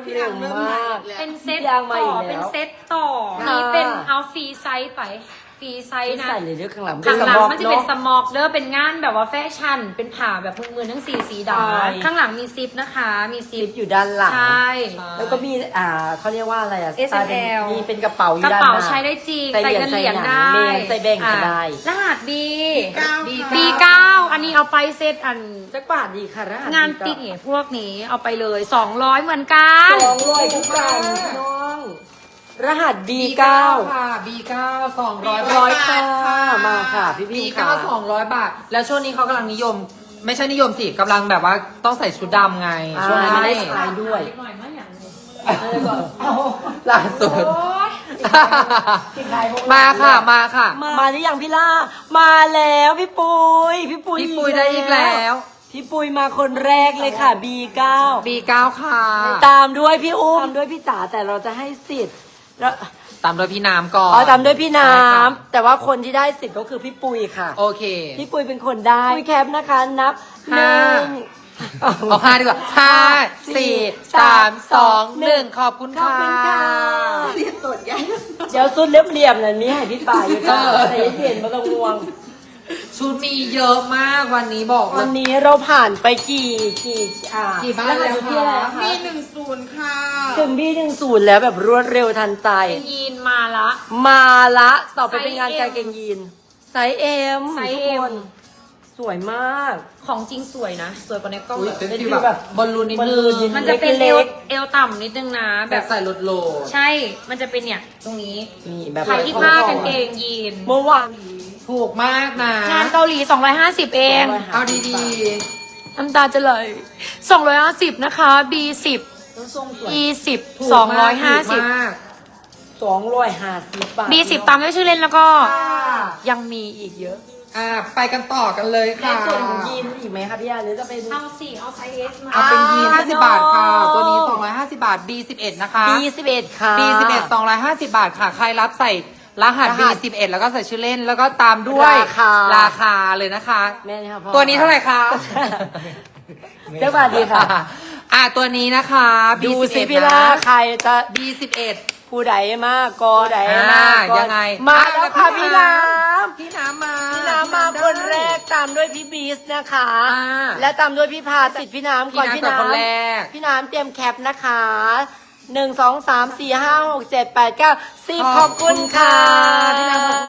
เร็วมากเป็นเซตยางมาต่อีอกแล้วเป็นเซตต่อค่ะนี่เป็นเอาฟรีไซส์ไปฟรีไซส์นะใส่เลยเรื่องข้างหลังข้างหลังมันจะเป็นสเนาะมอกเด้อเป็นงานแบบว่าแฟชั่นเป็นผ่าแบบมือทั้งสีดใช่ำข้างหลังมีซิปนะคะมีซิซิปปอยู่ด้านหลังใช่แล้วก็มีเขาเรียกว่าอะไรอ่ะ S&L มีเป็นกระเป๋าอก ยู่ระด้านหเป๋าน้าใช้ได้จริงใส่ใส่เงินเหรียญได้ใส่แบ่งก็ได้รหัส B B9 B9 อันนี้เอาไปเซตอันจักบาทดีค่ะรหัสงานติ๊กเนี่ยพวกนี้เอาไปเลย200เหมือนกัน 200ทุกกันน้องรหัส B9 ค่ะ B9 200 ค่ะมาค่ะพี่พี่ B9 200 บาท แล้วช่วงนี้เขากำลังนิยม ไม่ใช่นิยมสิกำลังแบบว่าต้องใส่ชุดดำไง ช่วงนี้ไม่ไม่ได้ได้ใช้ด้วยหน่อยมาอย่างนี้ล่าสุดโอ๊ยมาค่ะมาค่ะมาหรือยังพี่ล่ามาแล้วพี่ปุยพี่ปุยพี่ปุยได้อีกแล้วพี่ปุยมาคนแรกเลยค่ะ B9 B9 ค่ะตามด้วยพี่อุ้มตามด้วยพี่จ๋าแต่เราจะให้สิทธิ์แล้วตามโดยพี่น้ำก่อนตามด้วยพี่น้ใช่ค่ะำแต่ว่าคนที่ได้สิทธิ์ก็คือพี่ปุยค่ะโอเคพี่ปุยเป็นคนได้ปุยแคปนะคะนับหห้านึ่งเอา5ดีกว่า5 4 3 2 1ขอบคุณขอบค่ะคุณค่ะเดี๋ยวสุดเรียบๆนั่นมีให้พี่ป่าอยู่จ้าแต่เย็นๆไม่ต้องง่วงชุดมีเยอะมากวันนี้บอกเลวัยนนี้เราผ่านไปกี่บ้านแล้วอยู่ที่อะไรนะคะคะ B10 ค่ะถึงB10แล้วแบบรวดเร็วทันใจเป็นยีนมาละมาละต่อไปไซส์เป็นงาน M กางเกงยีนไซส์เอ็มไซส์ทุกเอ็คมนสวยมากของจริงสวยนะ สวยกว่าในกล้องอุ้ยแบบเป็นฟีลแบบบอลลูนนิดนึงมันจะเป็นเล็เอก วต่ำนิดนึงนะแบบใส่รถโหลดใช่ มันจะเป็นเนี่ยตรงนี้นี่แบบใครที่ผ้ากางเกงยีนเมื่อวานถูกมากนะงานเกาหลี 250 เองเอาดีน้ำตาจะไหล250 นะคะ B10 ทรงสวย E10 ๆถูกมากถูก 250 มาก 250 บาท B10 ตามด้วยชื่อเล่นแล้วก็ ยังมีอีกเยอะไปกันต่อกันเลยในค่ะส่วนของยีนมีอีกไหมคะพี่อาหรือจะเป็นเอาสิเอาไซส์ S มาเอาเป็นยีนอ่า 50 บาทค่ะน้องตัวนี้ 250 บาท B11 นะคะ B11 ค่ะ B11 250 บาทค่ะ ใครรับใส่รหัสรหัส B11 แล้วก็ใส่ชื่อเล่นแล้วก็ตามด้วยราคาเลยนะคะแม่นี่ค่ะพ่อตัวนี้เท่าไหร่คะเจ้าบาทดีค่ะตัวนี้นะคะดู B11 สิพี่ล่านะใครจะ B11 ผู้ใดมากกอใดมากกอยังไงมาแล้วค่ะพี่น้พี่น้ำมาำพี่น้ำมาคนแรกตามด้วยพี่บีสนะคะอ่าและตามด้วยพี่พาสิทธิ์พี่น้ำก่อนพี่น้ำก่อนคนแรกพี่น้ำเตรียมแคปนะคะ1 2 3 4 5 6 7 8 9 10ขอบคุณค่ะพี่น้ำ